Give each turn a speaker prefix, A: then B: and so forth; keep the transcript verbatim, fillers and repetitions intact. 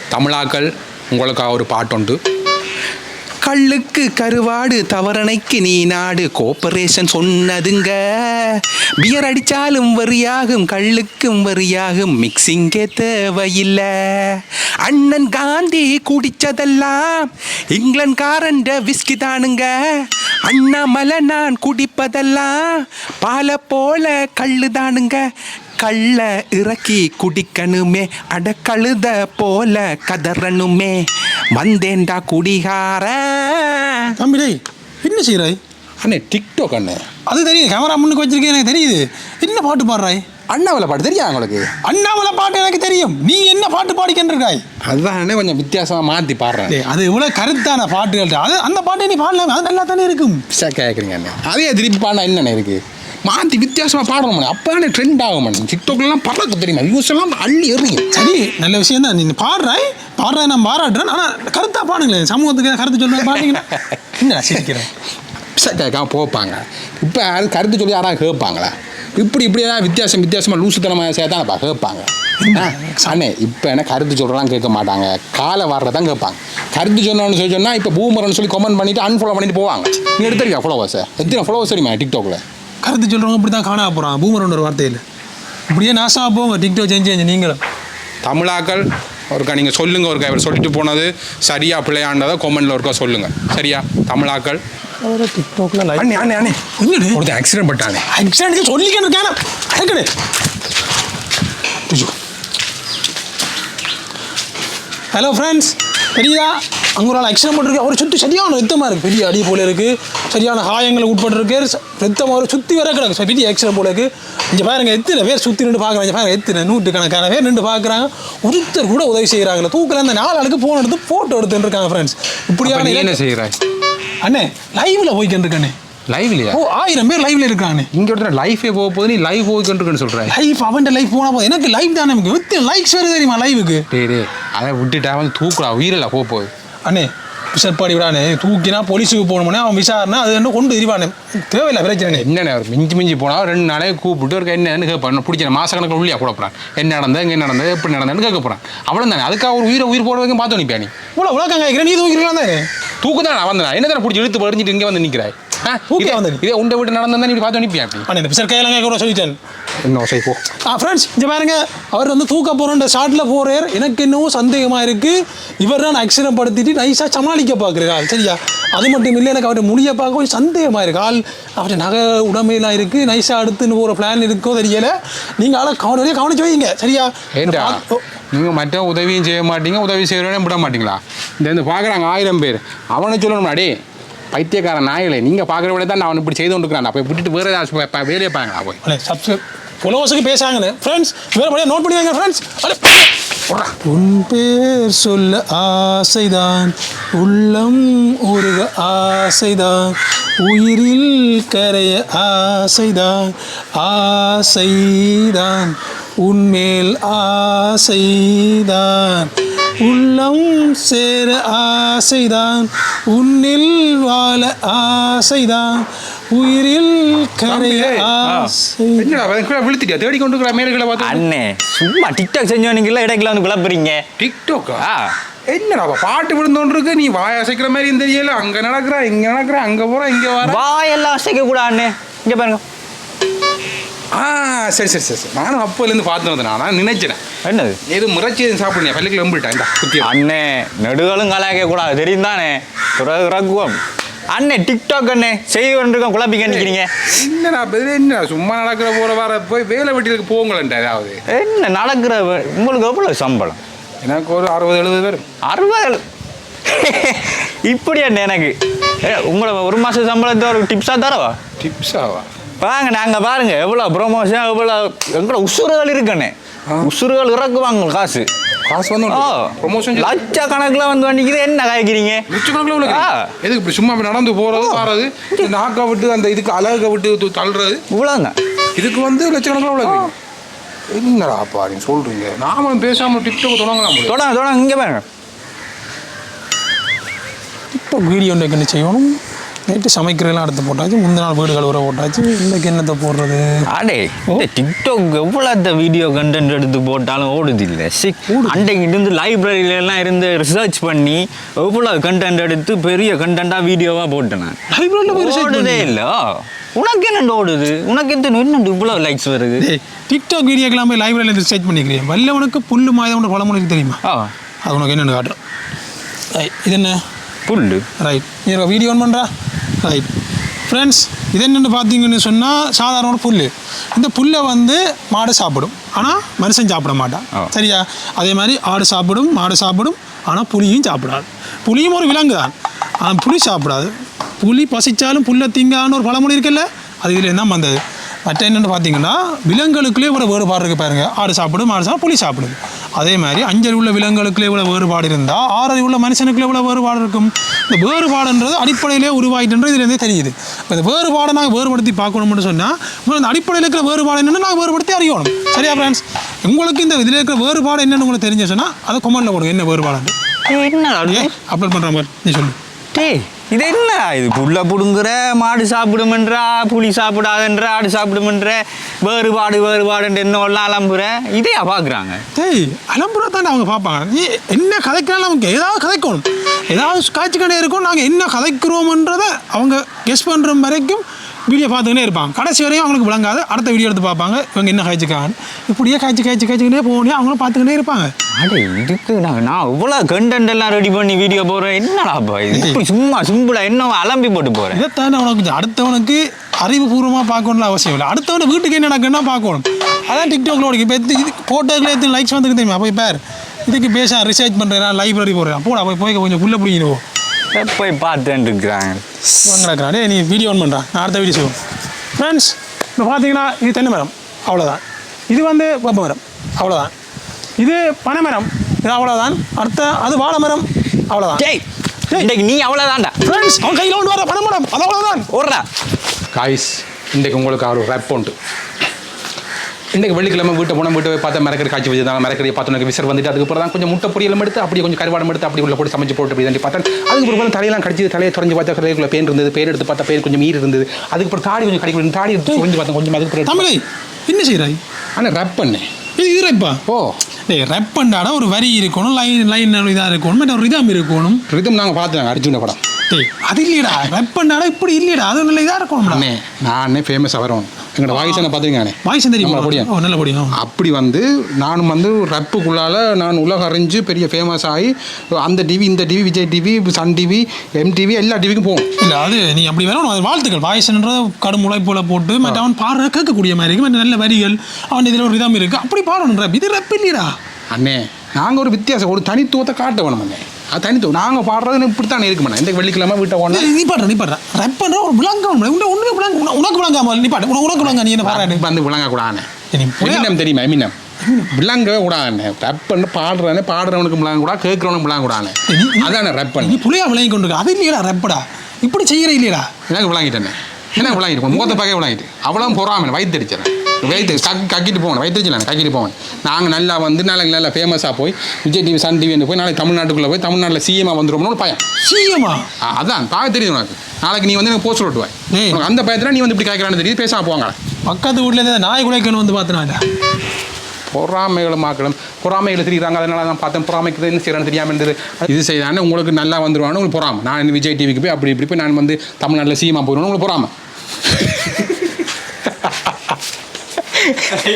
A: தமிழாக்கள் உங்களுக்காக ஒரு பாட்டுண்டு. கள்ளுக்கு கருவாடு தவறனைக்கு நீ நாடு கோஆபரேஷன் சொன்னதுங்க. பியர் அடிச்சாலும் வரியாகும் கள்ளுக்கும் வரியாகும் மிக்சிங்கே தேவையில்லை. அண்ணன் காந்தி குடிச்சதெல்லாம் இங்கிலாந்துக்காரண்ட விஸ்கி தானுங்க. அண்ணாமலை நான் குடிப்பதெல்லாம் பாலை போல கள்ளு தானுங்க. கள்ள இறக்கி குடிக்கணுமே அட கழுத போல கதறணுமே வந்தேன்டா குடிகார.
B: தம்பி என்ன செய்கிறாய்
A: அண்ணே? டிக்டாக் அண்ணே.
B: அது தெரியுது, கேமரா முன்னுக்கு வச்சிருக்கேன் எனக்கு தெரியுது. என்ன பாட்டு பாடுறாய்?
A: அண்ணாமலை பாட்டு தெரியா உங்களுக்கு?
B: அண்ணாமலை பாட்டு எனக்கு தெரியும். நீ என்ன பாட்டு பாடிக்கின்றிருக்காய்?
A: அதுதான் அண்ணே கொஞ்சம் வித்தியாசமாக மாற்றி பாடுறேன்.
B: அது இவ்வளோ கருத்தான பாட்டுகள். அது அந்த பாட்டை நீ பாடலாம், அது நல்லா தானே இருக்கும்.
A: கேட்குறீங்க அண்ணே, அதே திருப்பி பாடினா என்னென்ன இருக்குது? மாற்றி வித்தியாசமாக பாடணும் மணி, அப்போ தானே ட்ரெண்ட் ஆகும் மணி. டிக்டாக்லாம் பறக்க தெரியுமா, வியூஸ் எல்லாம் அள்ளி எறியும்.
B: சரி, நல்ல விஷயம் தான். நீ பாடுறாய் பாடுறாய் நான் பாராட்டுறேன். ஆனால் கருத்தாக பாடுங்களேன், சமூகத்துக்கு கருத்து சொல்லுவேன் பாடுங்கன்னா என்ன சிரிக்கிறேன்.
A: கேட்காம போப்பாங்க. இப்போ அது கருத்து சொல்லி யாராவது கேட்பாங்களா? இப்படி இப்படி ஏதாவது வித்தியாசம் வித்தியாசமாக லூசுத்தனமாக சேர்த்தானப்பா கேட்பாங்க. அண்ணே இப்போ என்ன கருத்து சொல்கிறலாம் கேட்க மாட்டாங்க, காலை வர்றதான் கேட்பாங்க. கருத்து சொன்னோன்னு சொல்லி சொன்னால் இப்போ பூமரன்னு சொல்லி கமெண்ட் பண்ணிவிட்டு அன்ஃபாலோ பண்ணிட்டு போவாங்க. நீ எடுத்துருக்கா ஃபாலோவர்ஸை? எத்தனை ஃபாலோவர்ஸ் தெரியுமா டிக்டாக்ல?
B: கருத்து சொல்கிறவங்க இப்படி தான் காணா போகிறான் பூமரன் ஒரு வார்த்தையில். இப்படியே நாசாக போங்க டிக்டாக் செஞ்சு செஞ்சு நீங்களும்.
A: தமிழாக்கள் ஒருக்கா நீங்கள் சொல்லுங்கள், ஒருக்கா இவர் சொல்லிட்டு போனது சரியா பிள்ளையாண்டதை கொமெண்டில் ஒருக்கா சொல்லுங்கள் சரியா? தமிழாக்கள்
B: டிக்டாக்ல
A: அண்ணே அண்ணே அண்ணே ஒருத்தன் ஆக்சிடென்ட் பட்டானே.
B: ஆக்சிடென்ட் சொல்லிக்கிட்டு இருக்கானே. ஹலோ ஃப்ரெண்ட்ஸ், தெரியுதா அங்கே ஒரு ஆள் ஆக்சிடென்ட் பண்ணிருக்கு. அவர் சுற்றி சரியான ரத்தமாக இருக்குது, பெரிய அடி போல இருக்குது, சரியான காயங்களை உட்பட்டுருக்கு, ரத்தம் அவர் சுற்றி வர கிடக்கு, பெரிய ஆக்சிடென்ட் போல இருக்குது. இங்கே பாருங்க எத்தனை பேர் சுற்றி நின்று பார்க்குறாங்க, இங்கே பாருங்க எத்தனை நூற்றுக்கணக்கான பேர் நின்று பார்க்குறாங்க. ஒருத்தர் கூட உதவி செய்கிறாங்களே. தூக்கில் அந்த நாலு ஆளுக்கு ஃபோன் எடுத்து ஃபோட்டோ எடுத்துட்டு இருக்காங்க ஃப்ரெண்ட்ஸ். இப்படியான
A: என்ன செய்கிறாய்
B: அண்ணே? லைவில் போய்க்கிட்டு இருக்கண்ணே.
A: லைவ்லையா?
B: ஓ, ஆயிரம் பேர் லைவ்ல இருக்கானே.
A: இங்கே ஒருத்தர் லைஃபே போக போது நீ லைவ் போய்க்கிட்டு சொல்கிறேன்.
B: லைஃப் அவன் லைஃப் போனால் போதும், எனக்கு லைஃப் தானே நமக்கு. வித்து லைக்ஸ் வேறு தெரியுமா லைவுக்கு?
A: டே அதை விட்டுட்டா வந்து தூக்குறா உயிரில் போக போகுது.
B: அண்ணே விசாரிப்பாடி விடானே, தூக்கினா போலீஸுக்கு போகணும்னே அவன் விசாரணை அது என்ன கொண்டு எரிவானே. தேவையில்லை பிரச்சனை.
A: என்னென்ன ஒரு மிஞ்சி மிஞ்சி போனால் ரெண்டு நாளே கூப்பிட்டு ஒரு என்னன்னு கேட்பான். பிடிச்ச மாதக்கணக்கில் உள்ளியா கூட போகிறான். என்ன நடந்தது, எங்கே நடந்தது, எப்படி நடந்ததுன்னு கேட்க போகிறான். அவ்வளோ தானே. அதுக்காக ஒரு உயிரை உயிர் போட வரைக்கும் பார்த்து நிற்பியா நீ? இவ்வளோ உலகம் கேட்குறேன், நீ தூக்கிக்கலாம் தானே. தூக்கு தான் நான் வந்தேன். என்ன தானே பிடிச்சி இழுத்து படிஞ்சிட்டு இங்கே வந்து நிற்கிறாய். இதே உண்டை விட்டு நடந்தா நீ பார்த்து நிற்பியா? அப்படி பிசர் கையெல்லாம் கேட்க சொல்லிட்டேன். என்ன சரி போ. ஆ ஃப்ரெண்ட்ஸ், இங்கே பாருங்க, அவர் வந்து தூக்க போகிற ஷார்ட்டில் போகிறார். எனக்கு என்னவோ சந்தேகமாக இருக்குது. இவர் தான் ஆக்சிடென்ட் படுத்திட்டு நைஸாக சமாளிக்க பார்க்குறாள் சரியா? அது மட்டும் இல்லை, எனக்கு அவர்கிட்ட முடிய பார்க்க கொஞ்சம் சந்தேகமாக இருக்குது. ஆள் அவர்கிட்ட நகை உடமையெல்லாம் இருக்குது, நைஸாக அடுத்துன்னு போகிற பிளான் இருக்கோ தெரியலை. நீங்கள் ஆளை கவனியே கவனிச்சு வைங்க சரியா? ஏண்டா நீங்கள் மற்ற உதவியும் செய்ய மாட்டீங்க, உதவி செய்கிறவனே விட மாட்டீங்களா? இந்த பார்க்குறாங்க ஆயிரம் பேர், அவனை சொல்லணும் அடே பைத்தியக்காரன் நாயலே, நீங்கள் பார்க்குற விட தான் நான் அவனை இப்படி செய்து கொண்டுருக்கிறான். அப்போ விட்டுட்டு வேறு ஏதாவது வேலையை பாருங்களா? போய் சப்ஸ்கிரைப் ஃபாலோவர்ஸுக்கு பேசாங்கன்னு ஃப்ரெண்ட்ஸ் வேறு படியாக நோட் பண்ணி வைங்க ஃப்ரெண்ட்ஸ். உன் பேர் சொல்ல ஆசைதான், உள்ளம் உருக ஆசைதான், உயிரில் கரைய ஆசைதான், ஆசைதான் உன்மேல் ஆசைதான், உள்ளம் சேர ஆசைதான், உன்னில் வாழ ஆசைதான், உயிரில் கரைய ஆசை. விழுத்திட்டியா தேடி கொண்டு மேலே பார்த்து?
C: அண்ணே சும்மா டிக்டாக் செஞ்சவனுக்குள்ள இடைக்குள்ள வந்து குழப்பறீங்க.
A: டிக்டாக்கா? என்னடா பாட்டு விழுந்தோன்னு இருக்கு, நீ வாய் அசைக்கிற மாதிரி தெரியல. அங்கே நடக்கிறா, இங்கே நடக்கிறா, அங்கே போகிறா, இங்கே வர
C: வாயெல்லாம் அசைக்க கூட அண்ணே. இங்கே பாருங்க.
A: ஆ சரி சரி சரி சரி நானும் அப்போலேருந்து பார்த்து வந்தேன். நான் நினைச்சேன்
C: என்னது
A: எது முறைச்சி சாப்பிடுங்க பள்ளிக்கு நம்பிட்டேன். இந்த குத்தி
C: அண்ணே நெடுகளும் கலாய்க்க கூடாது தெரியும் தானே. ரகுவம் அண்ணே டிக்டாக் அண்ணே செய்வன்றிருக்கோம் குழப்பிக்க நிற்கிறீங்க.
A: என்னடா என்ன சும்மா நடக்கிற போகிற வர போய் வேலை வெட்டிகளுக்கு போங்களேன்டா. ஏதாவது
C: என்ன நடக்கிற உங்களுக்கு எவ்வளோ சம்பளம்?
A: எனக்கு ஒரு அறுபது எழுபது பேர்.
C: அறுபது இப்படி அண்ணே எனக்கு உங்களை ஒரு மாதம் சம்பளத்தை ஒரு டிப்ஸாக தரவா?
A: டிப்ஸாவா?
C: வாங்க நாங்கள் பாருங்க எவ்வளோ ப்ரொமோஷன் எவ்வளோ எங்களோட உசுறுகள் இருக்குண்ணே. உசுறுகள் இறக்குவாங்க காசு
A: காசு வந்து ப்ரொமோஷன்
C: லட்ச கணக்கில் வந்து வண்டிக்குது. என்ன காய்க்கிறீங்க
A: லட்சக்கணக்கில் உள்ள எதுக்கு இப்படி சும்மா நடந்து போகிறது வர்றது, நாக்கை விட்டு அந்த இதுக்கு அழகை விட்டு தள்ளுறது இவ்வளோதான். இதுக்கு வந்து லட்சக்கணக்கில் உள்ள என்னடா அப்பா நீங்கள் சொல்கிறீங்க? நாமளும் பேசாமல் டிக்டாக் தொடங்கலாம்.
C: தொடங்க தொடங்க இங்கே பாருங்க.
B: டிக்டாக் வீடியோ என்ன செய்யணும்? நைட்டு சமைக்கிறதெல்லாம் எடுத்து போட்டாச்சு, முந்தின நாள் வீடு கழுவுற போட்டாச்சு, இன்னைக்கு என்னத்தை போடுறது?
C: அடே இந்த டிக்டாக் எவ்வளோ அந்த வீடியோ கண்டென்ட் எடுத்து போட்டாலும் ஓடுது இல்லை. சி அன்றைக்கு இருந்து லைப்ரரியிலலாம் இருந்து ரிசர்ச் பண்ணி எவ்வளோ கண்டென்ட் எடுத்து பெரிய கண்டென்ட்டாக வீடியோவாக போட்டேன் நான்.
B: லைப்ரரியில் போய் research
C: ஓடுதே இல்லை. உனக்கு என்ன ஓடுது? உனக்கு எந்த என்ன இவ்வளோ லைக்ஸ் வருது?
B: டேய், டிக்டாக் வீடியோக்கெல்லாம் போய் லைப்ரரியில் ரிசர்ச் பண்ணிக்கிறேன். வல்லவனுக்கு புல்லு மாயவனோட பழமொழி தெரியுமா?
C: ஆ
B: அது உனக்கு என்னென்னு காட்டுறேன். ரைட், இது என்ன?
C: புல்லு.
B: ரைட், நீ வீடியோ ஆன் பண்ணுறா. ரைட் ஃப்ரெண்ட்ஸ், இது என்னென்னு பார்த்தீங்கன்னு சொன்னால் சாதாரண புல். இந்த புல்லை வந்து மாடு சாப்பிடும், ஆனால் மனுஷன் சாப்பிட மாட்டான். சரியா? அதே மாதிரி ஆடு சாப்பிடும், மாடு சாப்பிடும், ஆனால் புலியும் சாப்பிடாது. புலியும் ஒரு விலங்கு தான், ஆனால் புலி சாப்பிடாது. புலி பசிச்சாலும் புல்லை திங்கான்னு ஒரு பழமொழி இருக்குல்ல, அது இதில் தான் வந்தது. மற்ற என்னென்னு பார்த்தீங்கன்னா விலங்குகளுக்குள்ளே இவ்வளோ வேறுபாடு இருக்குது பாருங்கள். ஆடு சாப்பிடும், மாடு சாப்பிடும், புலி சாப்பிடுது. அதே மாதிரி அஞ்சல் உள்ள விலங்குகளுக்குள்ளே இவ்வளோ வேறுபாடு இருந்தால் ஆறரை உள்ள மனுஷனுக்குள்ளே இவ்வளோ வேறுபாடு இருக்கும். இந்த வேறுபாடுன்றது அடிப்படையிலே உருவாயிட்டுன்றது இதுலேருந்தே தெரியுது. இப்போ இந்த வேறுபாடை நாங்கள் வேறுபடுத்தி பார்க்கணும்னு சொன்னால் இந்த அடிப்படையில் இருக்கிற வேறுபாடு என்னென்னு நாங்கள் வேறுபடுத்தி அறியணும். சரியா ஃப்ரெண்ட்ஸ்? உங்களுக்கு இந்த இதில் இருக்கிற வேறுபாடு என்னென்னு உங்களுக்கு தெரிஞ்சு சொன்னால் அதை கொமெண்ட்டில் கொடுங்க, என்ன வேறுபாடு
C: என்ன
B: அப்லோட் பண்ணுற மாதிரி நீ சொல்லு.
C: டேய் இது என்ன இது? புல்லை பிடுங்குற, மாடு சாப்பிடுமென்றா, புலி சாப்பிடாதன்ற, ஆடு சாப்பிடுமென்ற, வேறுபாடு வேறுபாடுன்ற என்னெல்லாம் அலம்புற இதையா பார்க்குறாங்க?
B: டேய் அலம்புறா தானே அவங்க பார்ப்பாங்க. நீ என்ன கதைக்கிறாலும் அவங்க ஏதாவது கதைக்கணும், ஏதாவது காய்ச்சி கடை இருக்கும். நாங்கள் என்ன கதைக்கிறோம்ன்றதை அவங்க கெஸ் பண்ணுற வரைக்கும் வீடியோ பார்த்துக்கிட்டே இருப்பாங்க. கடைசி வரையும் அவங்களுக்கு விளங்காது. அடுத்த வீடியோ எடுத்து பார்ப்பாங்க, இவங்க என்ன காய்ச்சிக்காங்க, இப்படியே காய்ச்சி காய்ச்சி காய்ச்சிக்கிட்டே போகணும். அவங்களும் பார்த்துக்கிட்டே இருப்பாங்க.
C: அடே இதுக்கு நான் நான் இவ்வளோ கண்டென்ட் எல்லாம் ரெடி பண்ணி வீடியோ போடுறேன், என்னடாப்பா இது? இப்படி சும்மா சிம்பிளாக என்ன அலம்பி போட்டு போகிறேன்.
B: இதைத்தானே உனக்கு அடுத்தவனுக்கு அறிவுபூர்வமாக பார்க்கணும்னு அவசியம் இல்லை. அடுத்தவனை வீட்டுக்கு என்ன நடக்குன்னா பார்க்கணும். அதான் டிக்டாக்ல ஓடி இப்போ இது போட்டோக்கில் எத்தனை லைக்ஸ் வந்துருக்கு தெரியுமா? போய் பேர் இதுக்கு பேச ரிசர்ச் பண்ணுறேன், லைப்ரரி போடுறேன், போடா போய் போய் கொஞ்சம் புள்ள பிடிக்கணும்
C: போய் பார்த்துட்டு இருக்கிறாங்க.
B: நடக்கிறான். நீ வீடியோ ஆன் பண்ணுறான், நான் அடுத்த வீடியோ செய்வோம். ஃப்ரெண்ட்ஸ், இப்போ பார்த்தீங்கன்னா இது தென்னை மரம், அவ்வளோதான். இது வந்து வேப்ப மரம், அவ்வளோதான். இது பனை மரம், இது அவ்வளோதான். அடுத்த அது வாழை மரம், அவ்வளோதான்.
C: டேய் இன்னைக்கு நீ அவ்வளோதான்டா.
B: ஃப்ரெண்ட்ஸ், அவன் கையில் கொண்டு வர பனை மரம், அது அவ்வளோதான்.
C: ஓடுறா
A: காய்ஸ், இன்றைக்கு உங்களுக்கு ஒரு ரப் உண்டு. இன்றைக்கு வெள்ளிக்கிழமை வீட்டை போனால் வீட்டை போய் பார்த்தா மரக்கறி காய்ச்சி வச்சுருந்தாங்க. மரக்கறியை பார்த்தோன்னே விசர் வந்துட்டு அதுக்கப்புறம் தான் கொஞ்சம் முட்டை பொரியலும் எடுத்து அப்படியே கொஞ்சம் கருவாடம் எடுத்து அப்படி உள்ள போட்டு சமைச்சு போட்டு அப்படி தாண்டி பார்த்தேன். அதுக்கப்புறம் தலையெல்லாம் கடிச்சு தலையை தொடஞ்சு பார்த்தா கரைக்குள்ள பேன் இருந்தது. பேர் எடுத்து பார்த்தா பேர் கொஞ்சம் மீறி இருந்தது. அதுக்கப்புறம் தாடி கொஞ்சம் கடிக்க தாடி எடுத்து கொஞ்சம் பார்த்தேன் கொஞ்சம் அதுக்கு
B: தமிழை என்ன செய்கிறாய்?
A: ஆனால் ரப் பண்ணேன்.
B: இது இது ரப்பா?
A: ஓ
B: டேய், ரப் பண்ணாடா ஒரு வரி இருக்கணும், லைன் லைன் இதாக இருக்கணும், மற்ற ஒரு ரிதம் இருக்கணும்.
A: ரிதம் நாங்கள் பார்த்துனாங்க அர்ஜுன படம்.
B: டேய் அது இல்லையடா, ரப் பண்ணாடா இப்படி இல்லையடா, அது நல்ல இதாக இருக்கணும்.
A: அண்ணே நானே ஃபேமஸாக வரணும். எங்களோட வாய்ஸ் என்ன பார்த்துருக்கானே,
B: வாய்ஸ் தெரியுமா?
A: பொடியும்
B: ஓ நல்ல பொடியும்.
A: அப்படி வந்து நானும் வந்து ரப்புக்குள்ளால் நான் உலக அறிஞ்சு பெரிய ஃபேமஸ் ஆகி அந்த டிவி இந்த TV Vijay TV Sun TV MTV எல்லா டிவிக்கும் போகும். இல்லை அது நீ அப்படி வரணும். அது வாழ்த்துக்கள். வாய்ஸ்ன்றத கடும் உழைப்போல போட்டு மற்ற அவன் பாடுற கேட்கக்கூடிய மாதிரி இருக்குது, மற்ற நல்ல வரிகள் அவன் இதில் ஒரு விதம் இருக்குது. அப்படி பாடணும் ரப். இது ரப் இல்லையடா அண்ணே. நாங்கள் ஒரு வித்தியாசம் ஒரு தனித்துவத்தை காட்ட வேணும் அண்ணே. அது தனித்துவம் நாங்கள் பாடுறது இப்படி தானே இருக்கு மேடம். இந்த வெள்ளிக்கிழமை வீட்டை போனா
B: நீ பாடுற நீ பாடுற ரப் பண்ணுற ஒரு விளங்க ஒன்றுமே விளங்க உனக்கு விளங்காமல் நீ பாட்டு உனக்கு விளங்க. நீ என்ன பாடுற
A: வந்து விளங்க கூடாது. எமினம் தெரியுமா? எமினம் விளங்கவே கூடாது. ரப் பண்ண பாடுறானே பாடுறவனுக்கு விளங்க கூடாது, கேட்குறவனுக்கு விளங்க கூடாது. அதானே ரப் பண்ணி
B: நீ புள்ளையா விளங்கி கொண்டு இருக்க. அது இல்லையடா ரப்படா, இப்படி செய்கிற இல்லையடா.
A: எனக்கு விளங்கிட்டேனே, எனக்கு விளங்கிட்டு முகத்தை பார்க்க விளங்கிட்டு அவ்வளோ பொறாமல் வயிற்று அடிச்சேன். வயிற்று கக் கக்கிட்டு போகணும், வயிற்று வச்சுலாம் கக்கிட்டு போவேன். நாங்கள் நல்லா வந்து நாளைக்கு நல்லா ஃபேமஸாக போய் விஜய் டிவி சன் டிவி போய் நாளைக்கு தமிழ்நாட்டுக்குள்ளே போய் தமிழ்நாட்டில் சிஎம்மாக வந்துடும்னு பயம்.
B: சிஎம்மா?
A: அதான் பார்க்க தெரியுது உனக்கு. நாளைக்கு நீ வந்து எனக்கு போஸ்ட் ஓட்டுவாய். உனக்கு அந்த பயத்தில் நீ வந்து இப்படி கேட்குறான்னு தெரியுது. பேசாமல் போவாங்க.
B: பக்கத்து வீட்டில் நாய் குலைக்கணும் வந்து பார்த்தனால
A: பொறாமைகளை மாக்கணும். பொறாமைகளை தெரியுறாங்க. அதனால தான் பார்த்தேன் பொறாமைக்கு என்ன செய்யறான்னு தெரியாமல் இருந்தது. இது செய்தானே உங்களுக்கு நல்லா வந்துடுவானு உங்களுக்கு பொறாமை. நான் விஜய் டிவிக்கு போய் அப்படி இப்படி போய் நான் வந்து தமிழ்நாட்டில் சிஎம்மாக போயிடுவேன் உங்களுக்கு பொறாமை.